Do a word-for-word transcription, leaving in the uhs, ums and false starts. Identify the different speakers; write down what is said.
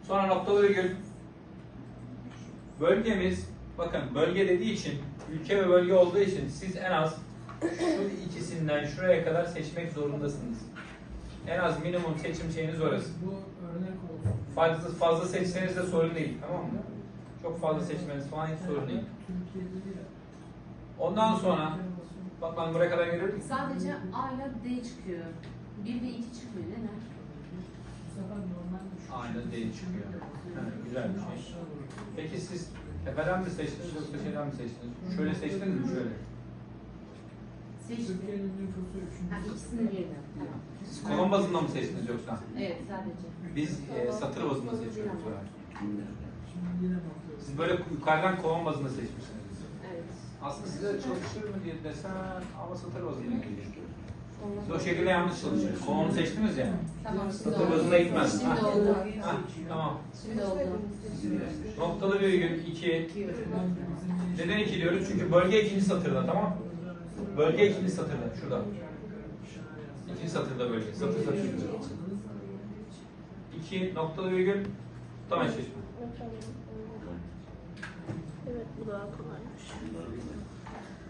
Speaker 1: Sonra noktalı virgül. Bölgemiz, bakın bölge dediği için, ülke ve bölge olduğu için siz en az şu ikisinden şuraya kadar seçmek zorundasınız. En az minimum seçim şeyiniz orası.
Speaker 2: Bu örnek olsun.
Speaker 1: Fazla, fazla seçseniz de sorun değil, tamam mı? Çok fazla seçmeniz falan hiç sorun değil.
Speaker 2: Türkiye'de değil.
Speaker 1: Ondan sonra, bak ben buraya kadar geliyorum.
Speaker 3: Sadece A ile D çıkıyor. bir ve iki çıkmıyor. Neden?
Speaker 2: Bu sefer normal düşüş.
Speaker 1: A ile D çıkıyor. Evet, güzel bir şey. Peki siz tepeden mi seçtiniz yoksa şeyden mi seçtiniz? Şöyle seçtiniz mi şöyle?
Speaker 3: Seçtim.
Speaker 2: Türkiye'nin nüfusu üçüncü.
Speaker 3: Ha, ikisini birden. Tamam.
Speaker 1: Siz kolon bazında mı seçtiniz yoksa?
Speaker 3: Evet, sadece.
Speaker 1: Biz e, satır bazında seçiyoruz. böyle.
Speaker 2: Şimdi yine bakıyoruz.
Speaker 1: Siz böyle yukarıdan kolon bazında seçmişsiniz.
Speaker 3: Evet.
Speaker 1: Aslında size çalışır mı diye desen ama satır bazında geliyor. Siz o şekilde yanlış çalışıyor. Kolonu seçtiniz ya.
Speaker 3: Tamam, şimdi
Speaker 1: Satır
Speaker 3: oldu.
Speaker 1: bazında gitmez.
Speaker 3: Şimdi
Speaker 1: Ha.
Speaker 3: oldu.
Speaker 1: Ha, tamam.
Speaker 3: Şimdi oldu.
Speaker 1: Noktalı virgül iki. Neden iki diyoruz? Çünkü bölge ikinci satırda, tamam. Bölge ikinci satırda, şurada. İkinci satırda bölge. Satır satır. İki noktalı virgül. Tamam eşleşme.
Speaker 4: Evet, bu daha kolaymış.